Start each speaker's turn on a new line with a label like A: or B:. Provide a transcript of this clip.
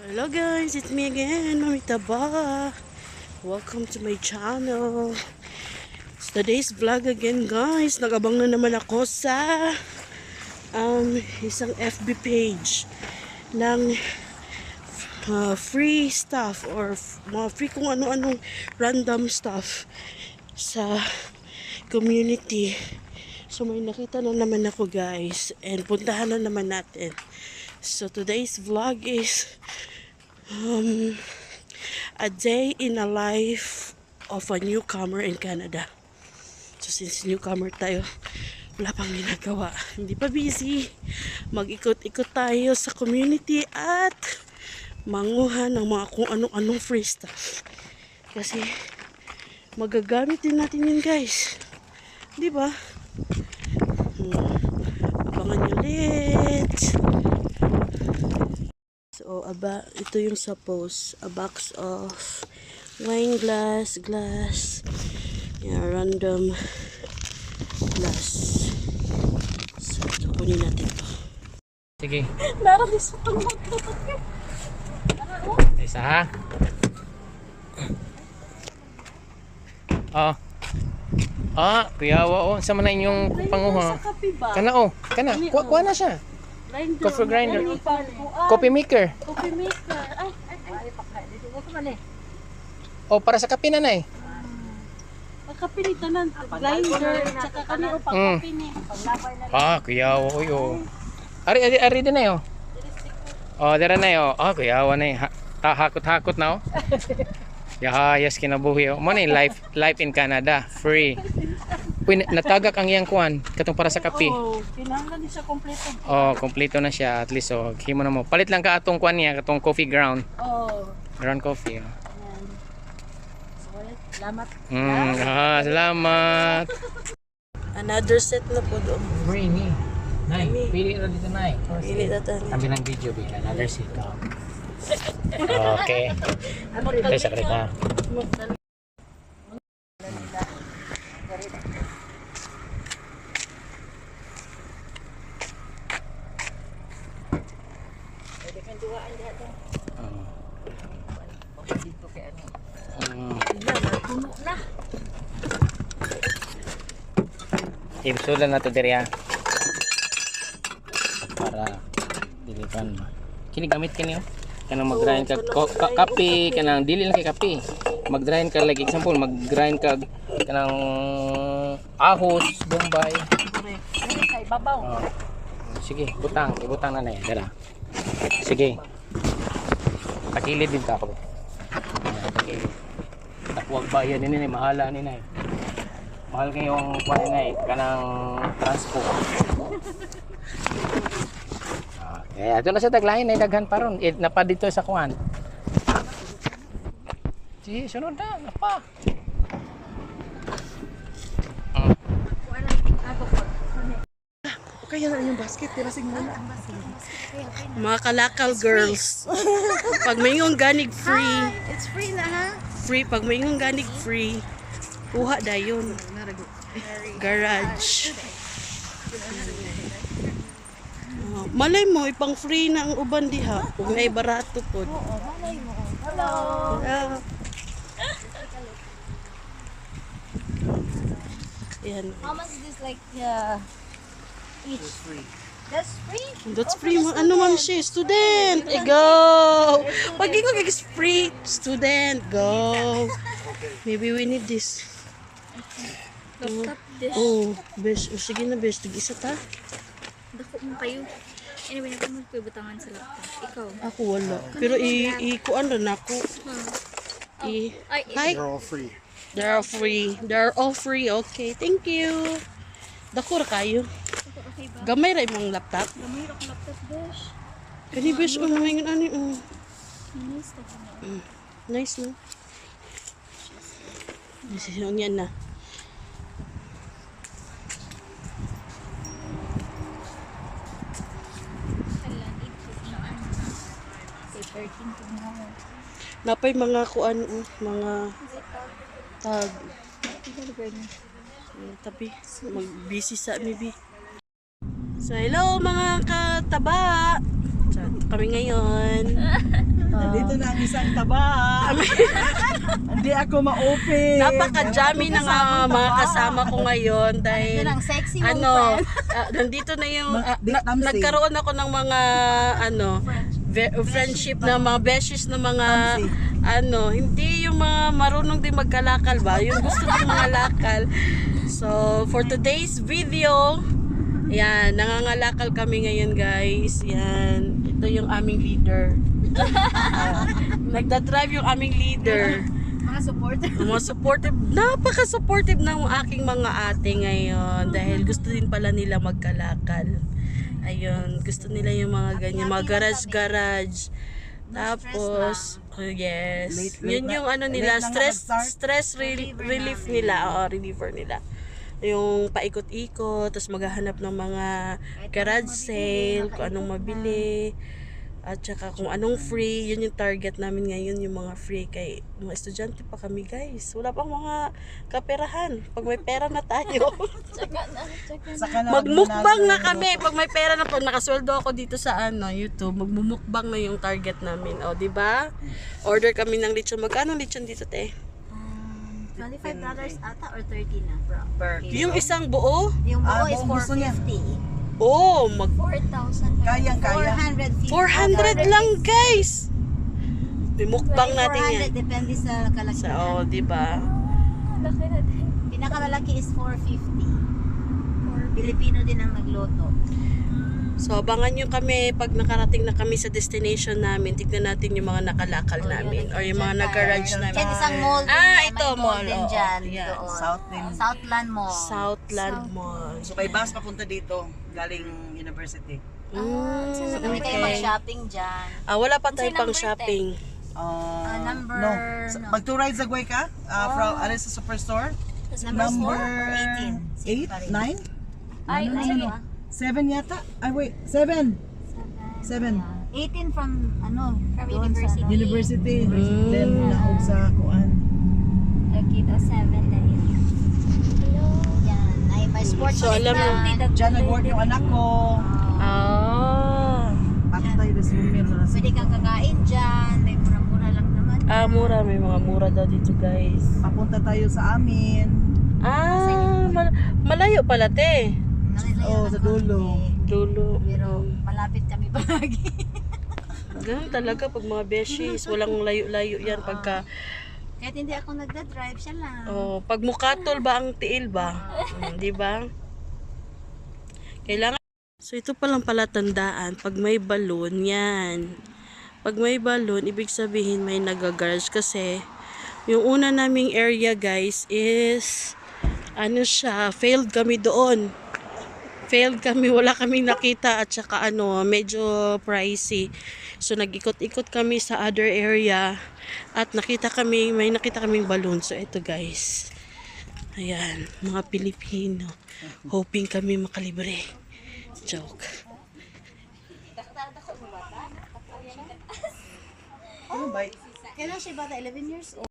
A: Hello guys, it's me again, Mami Taba. Welcome to my channel. It's today's vlog again guys. Nag-abang na naman ako sa isang FB page ng free stuff or mga free kung ano-anong random stuff sa community. So may nakita na naman ako guys and puntahan na naman natin. So today's vlog is a day in a life of a newcomer in Canada. So since newcomer tayo, wala pang ginagawa, hindi pa busy, mag-ikot-ikot tayo sa community at manguha ng mga kung anong-anong free stuff. Kasi magagamit din natin yun guys, di ba? Abangan nyo ulit. So, ito yung sa post. A box of wine glass, yeah, random glass. So, ito, kunin natin to.
B: Sige.
A: Naralis ito magtutot ka.
B: Isa ha? Kuyawa sa man na inyong panguha. Kana kana. Kuha na siya. Coffee grinder. Coffee maker.
A: Coffee maker.
B: Para sa kape na eh.
A: Pagkape ni tanan, grinder, tsaka kanino pagkape ni.
B: Kuyawa Ari din na yo. Dara na yo. Kuyawa na eh. Hakot-hakot na Yes, kinabuhi mo ni life in Canada, free. Natagak ang iyang kuan katong para sa kape.
A: Kinahanglan siya kompleto.
B: Kompleto na siya at least himo na mo. Palit lang ka atong kuan niya, katong coffee ground. Ground coffee.
A: Ayan. So, salamat.
B: Salamat.
A: Another set na po doon.
B: Free ni. Nay, pili ra dito nay.
A: Pili na tayo.
B: Kami ng video bigla another set. Okay. Ito sa kalita. Ibsulan na ito diri para dilikan. Kini gamit kini kanang mag-grind ka kape, kanang dili lang kay kape. Mag-grind ka like example, mag-grind ka kanang ahos, bombay.
A: Ay, babaw.
B: Sige, ibutang na na dala. Sige. Takilid din ka ako. Takilid. Takwag bayan ni mahala ni nay. Mahal kayong kuan nay kanang transport. Ito na sa taglain ay daghan paron. Napa dito sa kuan. Sige, sunod na, napa.
A: Kaya na yung basket, tirasig mo na. Mga kalakal girls. Pag may yung ganig free.
C: It's free na ha?
A: Free, pag may yung ganig free, kuha dayon. Garage. Malay mo, ipang free na ang uban diha. Kung may barato po.
C: Malay mo. Hello.
A: Yan.
C: How much is this like each? That's free?
A: That's free. Ano man siya? Student! Go! Pag ikaw is free, student, go! Maybe we need this.
C: Laptop dish.
A: Besh. Sige na, besh. Tig-isa ta.
C: Dako mo kayo. Anyway, natin magpibutangan sa laptop. Ikaw.
A: Ako wala. Pero i-kuan rin ako. Hi.
D: They're all free.
A: They're all free. They're all free. Okay, thank you. Dako ra kayo.
C: Okay ba?
A: Gamay ra imong laptop.
C: Gamay ra ko laptop dish.
A: Kani besh, may ano.
C: Nice ka na.
A: Nice, no? Yung yan na. Napay mga kuan, mga tag. Tabi, mag-busy sa maybe. So hello mga kataba. So, kami ngayon.
D: Ito na ang isang taba. Hindi ako ma-open.
A: Napaka-jammy ng mga kasama ko ngayon dahil
C: Ang sexy mong
A: ano,
C: friend.
A: nandito na yung
D: Tamsi.
A: nagkaroon ako ng mga friendship na mga beshes na mga hindi yung mga marunong din magkalakal ba, yung gusto din mga lakal. So for today's video, yan, nangangalakal kami ngayon guys. Yan, ito yung aming leader. Nagdadrive yung aming leader.
C: Mga supporter.
A: Mga supportive, napaka-supportive ng aking mga ate ngayon dahil gusto din pala nila magkalakal. Ayun, gusto nila yung mga ganyan, mga garage-garage. Tapos, yes, yun yung ano nila, stress relief nila, reliever nila. Yung paikot-ikot, tapos maghahanap ng mga garage sale, kung anong mabili. At saka kung anong free, yun yung target namin ngayon, yung mga free. Kay mga estudyante pa kami guys. Wala pang mga kaperahan. Pag may pera na tayo.
D: Saka na
A: Magmukbang na kami. Pag may pera na po, nakasweldo ako dito sa YouTube. Magmumukbang na yung target namin. O, di ba? Order kami ng lechon. Magkano lechon dito, te?
C: $25 ata or 30 na, bro.
D: per
A: Yung isang buo?
C: Yung buo is
D: buong gusto niya.
C: 450.
A: Oh,
C: 4,000.
D: Kayang-kaya.
C: 450.
A: 400 lang guys. Mukbang natin yan.
C: 400 depende sa kalakihan.
A: So, di ba?
C: Pinakamalaki is 450. Pilipino din ang nagluto.
A: So, abangan nyo kami pag nakarating na kami sa destination namin. Tignan natin yung mga nakalakal namin or yung mga nag-garage namin.
C: Yan isang mall din.
A: Ito,
C: may mall din
A: oo.
C: dyan.
A: Yan.
C: Doon.
D: Southland.
C: Southland Mall.
A: Southland Mall.
D: So may bus papunta dito, galing university.
C: So, kami kayo mag-shopping dyan.
A: Wala pa tayo pang shopping.
C: Number...
D: No. Mag two rides agway ka? From Alice Superstore?
C: Number
D: Number
C: 18.
D: 8, 9?
C: Ay,
D: No. 7 yata? Ay wait, 7. 7.
C: 18 from, from
D: Doon
C: university.
D: sa university. Then naog sa kuan.
C: Nakita 7 na yun. Yan. Ay, may sports
A: So, alam mo,
D: Diyan nag-work yung anak ko. Bakit tayo na swimmer na
C: Pwede kang kakain dyan. May mura-mura lang naman.
A: mura. May mga mura daw dito, guys.
D: Papunta tayo sa amin.
A: Malayo pala, te.
D: Oo, sa dulo.
A: Dulo.
C: Pero malapit kami palagi.
A: Ganun talaga pag mga beshies. Walang layo-layo yan pagka...
C: Kahit hindi ako nagda-drive, siya lang.
A: pag mukatol ba ang tiil ba? Di ba? Kailangan. So ito palang pala tandaan, pag may balon, yan. Pag may balon, ibig sabihin may nagagarage kasi yung una naming area guys is failed kami doon. Failed kami, wala kaming nakita at saka medyo pricey. So nag-ikot-ikot kami sa other area at may nakita kaming balloon. So ito guys. Ayan, mga Pilipino. Hoping kami makalibre. Joke.
D: Ano ba?
C: Kailan siya bata? 11 years old?